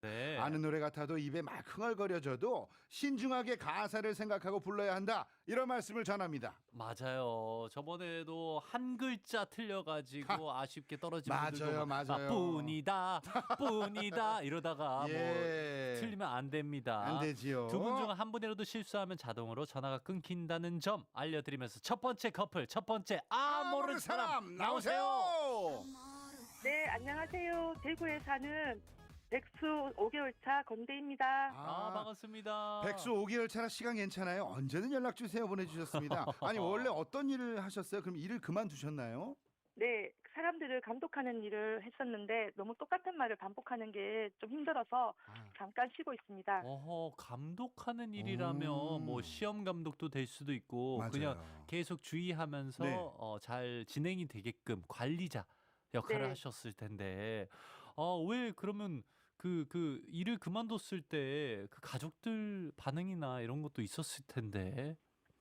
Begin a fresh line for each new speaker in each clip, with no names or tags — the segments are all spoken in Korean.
네.
아는 노래 같아도 입에 막 흥얼거려져도 신중하게 가사를 생각하고 불러야 한다. 이런 말씀을 전합니다.
맞아요. 저번에도 한 글자 틀려가지고 아쉽게 떨어진 분들도
맞아요.
뿐이다 이러다가
예.
뭐 틀리면 안 됩니다.
안 되지요.
두 분 중 한 분이라도 실수하면 자동으로 전화가 끊긴다는 점 알려드리면서 첫 번째 커플, 첫 번째 모르는 사람 나오세요.
네, 안녕하세요. 대구에 사는 백수 5개월 차 건대입니다.
반갑습니다.
백수 5개월 차라 시간 괜찮아요? 언제든 연락 주세요 보내주셨습니다. 아니 원래 어떤 일을 하셨어요? 그럼 일을 그만두셨나요?
네, 사람들을 감독하는 일을 했었는데 너무 똑같은 말을 반복하는 게 좀 힘들어서 잠깐 쉬고 있습니다.
감독하는 일이라면 뭐 시험 감독도 될 수도 있고
맞아요.
그냥 계속 주의하면서
네.
잘 진행이 되게끔 관리자 역할을
네.
하셨을 텐데 왜 그러면 그 일을 그만뒀을 때 그 가족들 반응이나 이런 것도 있었을 텐데.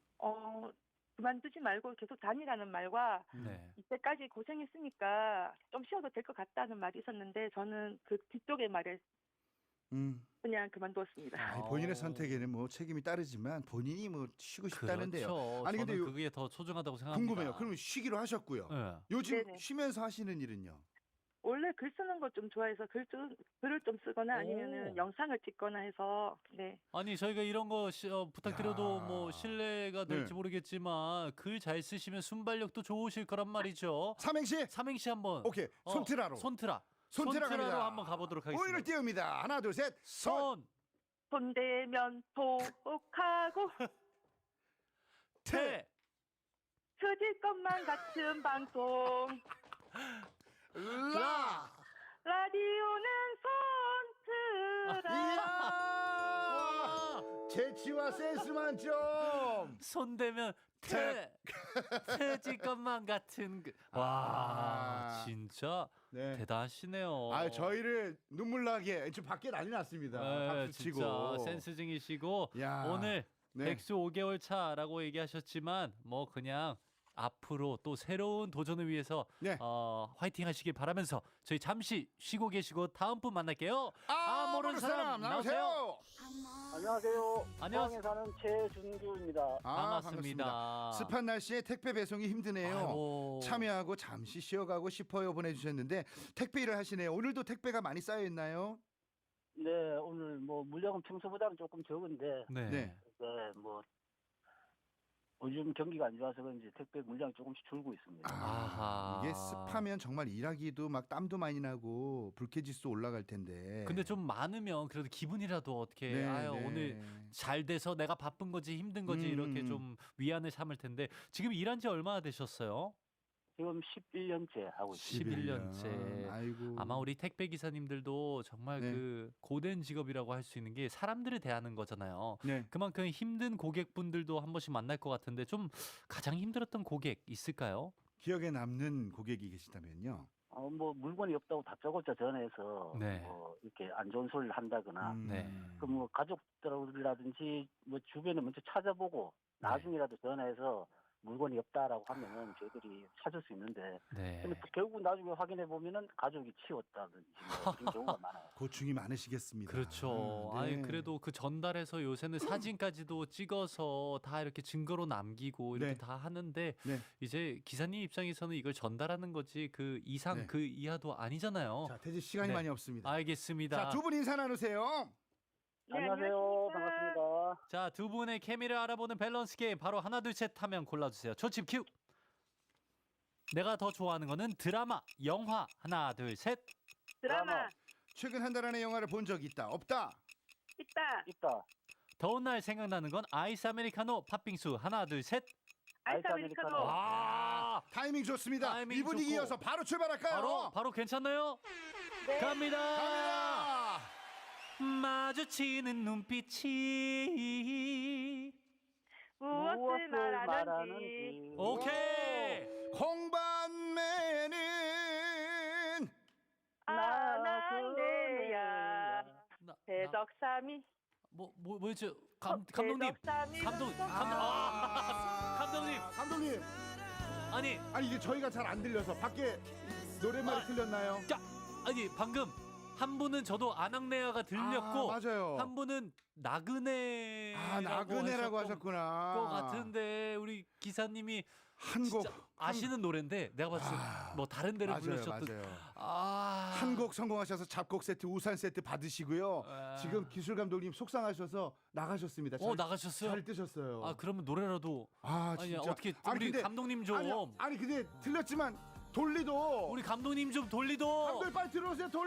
그만두지 말고 계속 다니라는 말과
네.
이때까지 고생했으니까 좀 쉬어도 될 것 같다는 말이 있었는데 저는 그 뒤쪽의 말에 그냥 그만두었습니다.
아니, 본인의 선택에는 뭐 책임이 따르지만 본인이 뭐 쉬고 싶다는데요.
그렇죠.
아니 근데
저는 그게 더 소중하다고 생각합니다.
궁금해요. 그러면 쉬기로 하셨고요.
네.
요즘
네네.
쉬면서 하시는 일은요?
원래 글 쓰는 거 좀 좋아해서 글을 좀 쓰거나 아니면은 영상을 찍거나 해서 네.
아니 저희가 이런 거 부탁드려도
야.
뭐 신뢰가 될지
네.
모르겠지만 글 잘 쓰시면 순발력도 좋으실 거란 말이죠.
삼행시?
삼행시 한번.
오케이. 손트라로.
손트라.
손트라
손트라로
갑니다.
한번 가보도록 하겠습니다.
오일을 띄웁니다. 하나 둘 셋.
손.
손대면 독하고
태.
터질 것만 같은 방송
라.
라디오는 손트라.
이야. 재치와 센스 만점.
손대면 태질 것만 같은 와 진짜
네.
대단하시네요.
저희를 눈물 나게 지금 밖에 난리 났습니다.
네,
박수
진짜
치고.
센스쟁이시고
야.
오늘
네.
백수 5개월 차라고 얘기하셨지만 뭐 그냥 앞으로 또 새로운 도전을 위해서
네.
화이팅 하시길 바라면서 저희 잠시 쉬고 계시고 다음 분 만날게요.
모르는 사람 나오세요.
안녕하세요.
안녕하세요.
포항에 사는 최준규입니다.
반갑습니다.
습한 날씨에 택배 배송이 힘드네요.
아이고.
참여하고 잠시 쉬어가고 싶어요 보내주셨는데 택배 일을 하시네요. 오늘도 택배가 많이 쌓여 있나요?
네, 오늘 뭐 물량은 평소보다는 조금 적은데,
네.
네.
뭐 요즘 경기가 안 좋아서 그런지 택배 물량이 조금씩 줄고 있습니다.
아하.
이게 습하면 정말 일하기도 막 땀도 많이 나고 불쾌지수 올라갈 텐데.
근데 좀 많으면 그래도 기분이라도 어떻게
네, 네.
오늘 잘 돼서 내가 바쁜 거지 힘든 거지 이렇게 좀 위안을 삼을 텐데 지금 일한 지 얼마나 되셨어요?
지금 11년째 하고 있습니다.
11년째.
아이고.
아마 우리 택배 기사님들도 정말
네.
그 고된 직업이라고 할 수 있는 게 사람들을 대하는 거잖아요.
네.
그만큼 힘든 고객분들도 한 번씩 만날 것 같은데 좀 가장 힘들었던 고객 있을까요?
기억에 남는 고객이 계시다면요.
뭐 물건이 없다고 다짜고짜 전화해서
네.
뭐 이렇게 안 좋은 소리를 한다거나,
네.
그 뭐 가족들이라든지 뭐 주변에 먼저 찾아보고 나중이라도 전화해서 물건이 없다라고 하면은 저희들이 찾을 수 있는데,
네.
근데 결국 나중에 확인해 보면은 가족이 치웠다든지 뭐 그런 경우가 많아요.
고충이 많으시겠습니다.
그렇죠.
네.
아니 그래도 그 전달해서 요새는 사진까지도 찍어서 다 이렇게 증거로 남기고 이렇게
네.
다 하는데
네.
이제 기사님 입장에서는 이걸 전달하는 거지 그 이상
네.
그 이하도 아니잖아요.
자, 태지 시간이
네.
많이 없습니다.
알겠습니다.
자, 두 분 인사 나누세요.
네,
안녕하세요.
안녕하십니까.
반갑습니다.
자, 두 분의 케미를 알아보는 밸런스 게임 바로 하나 둘 셋 하면 골라주세요. 초침 큐. 내가 더 좋아하는 거는 드라마, 영화. 하나 둘 셋.
드라마
최근 한 달 안에 영화를 본 적 있다. 없다.
있다.
더운 날 생각나는 건 아이스 아메리카노, 팥빙수. 하나 둘 셋.
아이스 아메리카노.
와,
타이밍 좋습니다.
타이밍
이 분위기
좋고.
이어서 바로 출발할까요?
바로 괜찮나요?
네.
갑니다.
갑니다.
마주치는 눈빛이.
무엇을 말하는지.
오케이.
홍반매는
아난데야 대덕삼이
뭐였죠? 감독님.
대덕삼이
감독님.
아니
아니 이게 저희가 잘 안 들려서 밖에 노랫말이 틀렸나요?
아니 방금 한 분은 저도 아낙네아가 들렸고
맞아요.
한 분은 나그네
나그네라고 하셨구나.
것 같은데 우리 기사님이
한 곡
진짜 아시는 노래인데 내가 봤을 때 뭐 다른 데를 불러주셨던
한 곡 성공하셔서 잡곡 세트, 우산 세트 받으시고요. 지금 기술 감독님 속상하셔서 나가셨습니다.
나가셨어요?
잘 뜨셨어요.
아 그러면 노래라도
진짜.
아니 어떻게 우리
근데,
감독님 좀
아니 근데 틀렸지만 돌리도
우리 감독님 좀 돌리도
감독님 빨리 들어오세요.